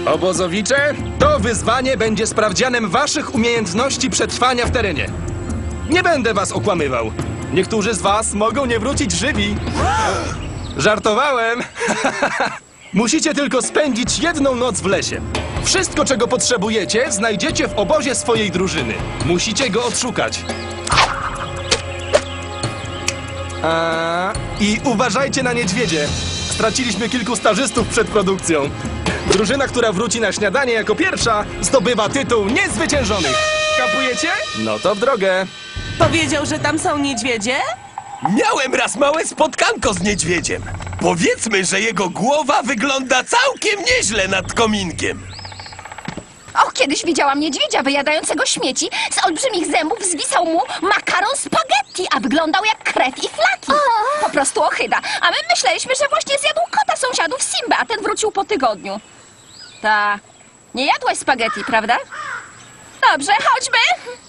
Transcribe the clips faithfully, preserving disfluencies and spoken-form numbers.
Obozowicze, to wyzwanie będzie sprawdzianem waszych umiejętności przetrwania w terenie. Nie będę was okłamywał. Niektórzy z was mogą nie wrócić żywi. Żartowałem. Musicie tylko spędzić jedną noc w lesie. Wszystko, czego potrzebujecie, znajdziecie w obozie swojej drużyny. Musicie go odszukać. A... I uważajcie na niedźwiedzie. Straciliśmy kilku stażystów przed produkcją. Drużyna, która wróci na śniadanie jako pierwsza, zdobywa tytuł niezwyciężonych. Kapujecie? No to w drogę. Powiedział, że tam są niedźwiedzie? Miałem raz małe spotkanko z niedźwiedziem. Powiedzmy, że jego głowa wygląda całkiem nieźle nad kominkiem. Och, kiedyś widziałam niedźwiedzia wyjadającego śmieci. Z olbrzymich zębów zwisał mu makaron spaghetti, a wyglądał jak krew i flaki. Po prostu ohyda. A my myśleliśmy, że właśnie zjadł kota sąsiadów Simba, a ten wrócił po tygodniu. Ta... Nie jadłaś spaghetti, prawda? Dobrze, chodźmy.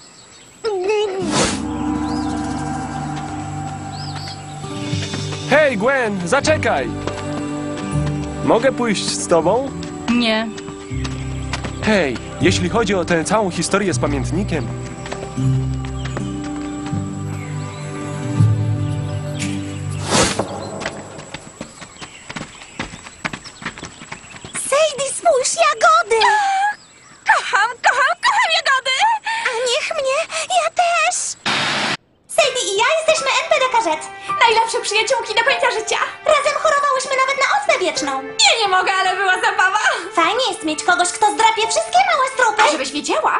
Hej, Gwen, zaczekaj! Mogę pójść z tobą? Nie. Hej, jeśli chodzi o tę całą historię z pamiętnikiem... Sadie, spójrz, jagody! Kocham, kocham, kocham jagody! A niech mnie, ja też! Sadie i ja jesteśmy en pe de Karzet. Najlepsze przyjaciółki do końca życia. Razem chorowałyśmy nawet na ospę wieczną. Ja nie mogę, ale była zabawa. Fajnie jest mieć kogoś, kto zdrapie wszystkie małe strupy. A żebyś wiedziała.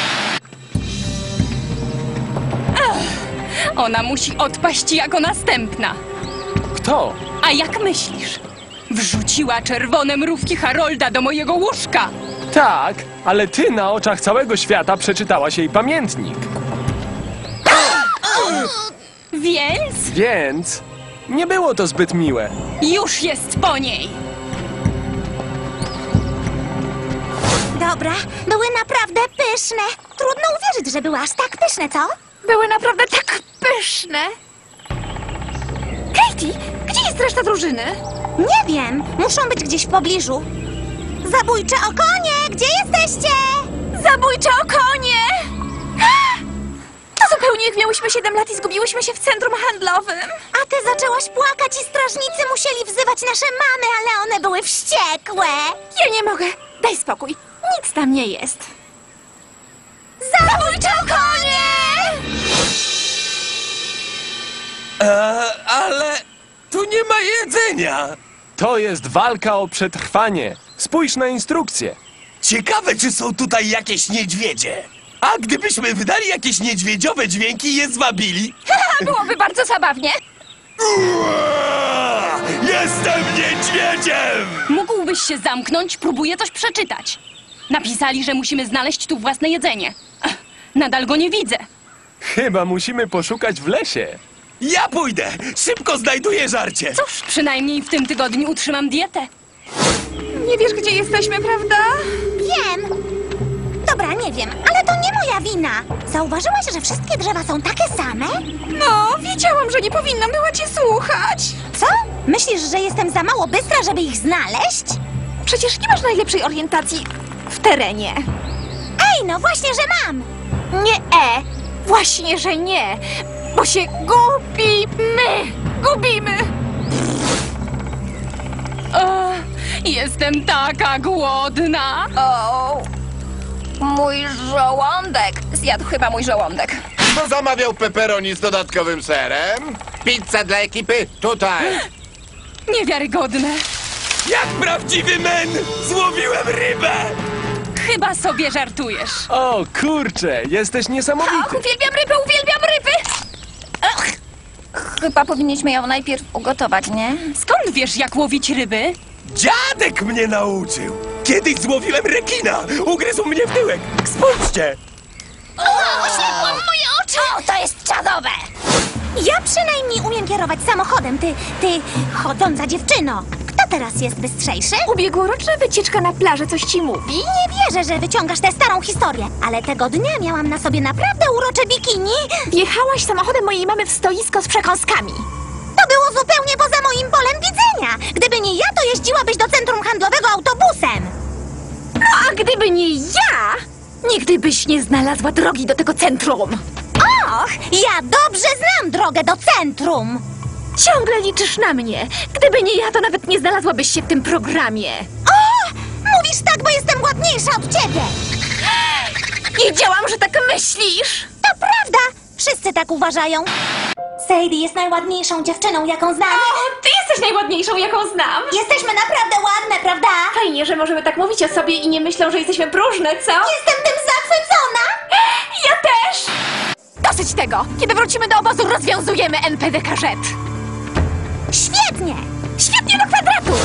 Ona musi odpaść jako następna. Kto? A jak myślisz? Wrzuciła czerwone mrówki Harolda do mojego łóżka. Tak, ale ty na oczach całego świata przeczytałaś jej pamiętnik. Więc Więc... nie było to zbyt miłe. już jest po niej. Dobra, były naprawdę pyszne. Trudno uwierzyć, że były aż tak pyszne, co? Były naprawdę tak pyszne. Katie, gdzie jest reszta drużyny? Nie wiem, muszą być gdzieś w pobliżu. Zabójcze okonie, gdzie jesteście? Zabójcze okonie! To zupełnie jak miałyśmy siedem lat i zgubiłyśmy się w centrum handlowym. A ty zaczęłaś płakać i strażnicy musieli wzywać nasze mamy, ale one były wściekłe. Ja nie mogę. Daj spokój. Nic tam nie jest. Zabójcze okonie! E, ale tu nie ma jedzenia. To jest walka o przetrwanie. Spójrz na instrukcję. Ciekawe, czy są tutaj jakieś niedźwiedzie. A gdybyśmy wydali jakieś niedźwiedziowe dźwięki i je zwabili? Byłoby bardzo zabawnie. Uaa! Jestem niedźwiedziem! Mógłbyś się zamknąć, próbuję coś przeczytać. Napisali, że musimy znaleźć tu własne jedzenie. Ech, nadal go nie widzę. Chyba musimy poszukać w lesie. Ja pójdę! Szybko znajduję żarcie! Cóż, przynajmniej w tym tygodniu utrzymam dietę. Nie wiesz, gdzie jesteśmy, prawda? Wiem. Dobra, nie wiem, ale to nie moja wina. Zauważyłaś, że wszystkie drzewa są takie same? No, wiedziałam, że nie powinnam była cię słuchać. Co? Myślisz, że jestem za mało bystra, żeby ich znaleźć? Przecież nie masz najlepszej orientacji w terenie. Ej, no właśnie, że mam. Nie, e. Właśnie, że nie. Bo się gubimy. Gubimy. O, jestem taka głodna. O, mój żołądek. Zjadł chyba mój żołądek. Kto zamawiał pepperoni z dodatkowym serem? Pizza dla ekipy, tutaj! Niewiarygodne. Jak prawdziwy men! Złowiłem rybę! Chyba sobie żartujesz. O kurczę, jesteś Och, niesamowity. uwielbiam ryby, uwielbiam ryby! Ach, chyba powinniśmy ją najpierw ugotować, nie? Skąd wiesz, jak łowić ryby? Dziadek mnie nauczył! Kiedyś złowiłem rekina! Ugryzł mnie w tyłek! Spójrzcie! O, oślepło moje oczy! O, to jest czadowe! Ja przynajmniej umiem kierować samochodem, ty, ty chodząca dziewczyno. Kto teraz jest bystrzejszy? Ubiegłoroczna wycieczka na plażę coś ci mówi? Nie wierzę, że wyciągasz tę starą historię, ale tego dnia miałam na sobie naprawdę urocze bikini. Wjechałaś samochodem mojej mamy w stoisko z przekąskami. To było zupełnie poza moim polem widzenia. Gdyby nie ja, to jeździłabyś do centrum handlowego autobusem. Gdyby nie ja, nigdy byś nie znalazła drogi do tego centrum. Och, ja dobrze znam drogę do centrum. Ciągle liczysz na mnie. Gdyby nie ja, to nawet nie znalazłabyś się w tym programie. O! Mówisz tak, bo jestem ładniejsza od ciebie. Wiedziałam, że tak myślisz. To prawda. Wszyscy tak uważają. Sadie jest najładniejszą dziewczyną, jaką znam. O, ty jesteś najładniejszą, jaką znam. Jesteśmy naprawdę ładne, prawda? Fajnie, że możemy tak mówić o sobie i nie myślą, że jesteśmy próżne, co? Jestem tym zachwycona. Ja też! Dosyć tego! Kiedy wrócimy do obozu, rozwiązujemy N P D K Z. Świetnie. Świetnie do kwadratu!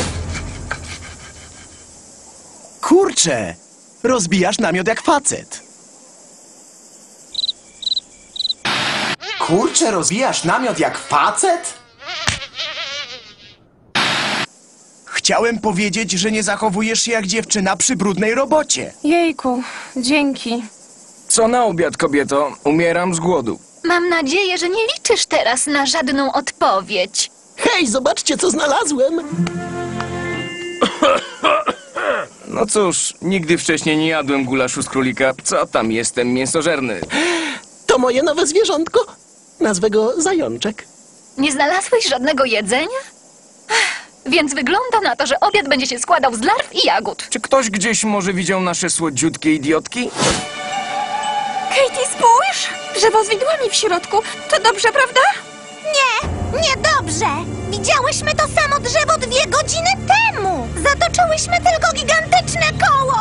Kurczę, rozbijasz namiot jak facet. Kurczę, rozbijasz namiot jak facet? Chciałem powiedzieć, że nie zachowujesz się jak dziewczyna przy brudnej robocie. Jejku, dzięki. Co na obiad, kobieto? Umieram z głodu. Mam nadzieję, że nie liczysz teraz na żadną odpowiedź. Hej, zobaczcie, co znalazłem. No cóż, nigdy wcześniej nie jadłem gulaszu z królika. Co tam, jestem mięsożerny. To moje nowe zwierzątko. Nazwę go Zajączek. Nie znalazłeś żadnego jedzenia? Ech, Więc wygląda na to, że obiad będzie się składał z larw i jagód. Czy ktoś gdzieś może widział nasze słodziutkie idiotki? Katie, spójrz! Drzewo z widłami w środku. To dobrze, prawda? Nie, niedobrze. Widziałyśmy to samo drzewo dwie godziny temu. Zatoczyłyśmy tylko gigantyczne koło.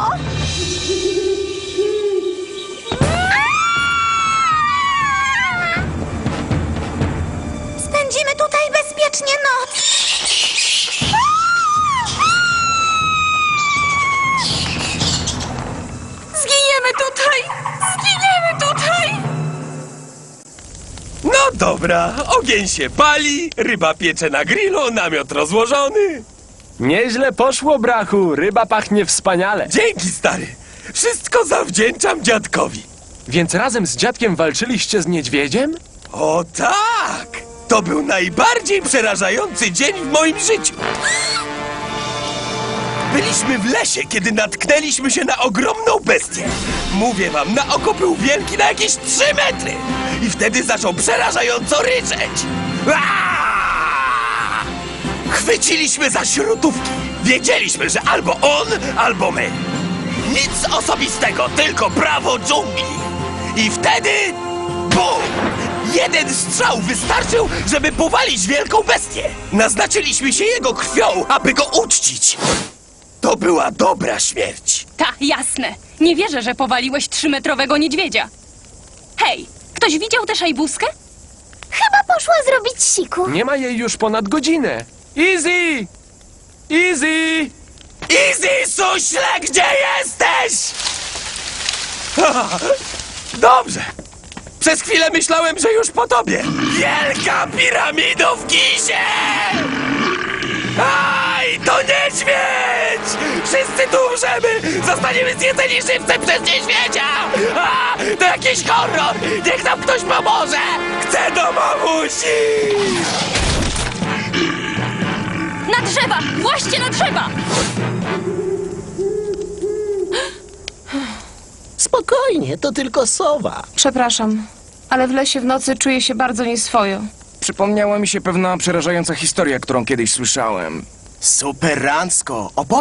Spędzimy tutaj bezpiecznie noc. Zginiemy tutaj! Zginiemy tutaj! No dobra, ogień się pali, ryba piecze na grillu, namiot rozłożony. Nieźle poszło, brachu. Ryba pachnie wspaniale. Dzięki, stary. Wszystko zawdzięczam dziadkowi. Więc razem z dziadkiem walczyliście z niedźwiedziem? O tak! To był najbardziej przerażający dzień w moim życiu. Byliśmy w lesie, kiedy natknęliśmy się na ogromną bestię. Mówię wam, na oko był wielki na jakieś trzy metry. I wtedy zaczął przerażająco ryczeć. Aaaa! Chwyciliśmy za śrutówki. Wiedzieliśmy, że albo on, albo my. Nic osobistego, tylko prawo dżungli. I wtedy... BUM! Jeden strzał wystarczył, żeby powalić wielką bestię. Naznaczyliśmy się jego krwią, aby go uczcić. To była dobra śmierć. Ta, jasne. Nie wierzę, że powaliłeś trzymetrowego niedźwiedzia. Hej, ktoś widział tę szajbuskę? Chyba poszła zrobić siku. Nie ma jej już ponad godzinę. Easy! Easy! Easy, suśle, gdzie jesteś? Dobrze. Przez chwilę myślałem, że już po tobie. Wielka piramido w Gizie! Aj, to niedźwiedź! Wszyscy tu umrzemy! Zostaniemy zjedzeni żywcem przez niedźwiedzia! A, to jakiś horror! Niech nam ktoś pomoże! Chcę do mamusi! Na drzewa! Właśnie na drzewa! Spokojnie, to tylko sowa. Przepraszam, ale w lesie w nocy czuję się bardzo nieswojo. Przypomniała mi się pewna przerażająca historia, którą kiedyś słyszałem. Superancko. Opo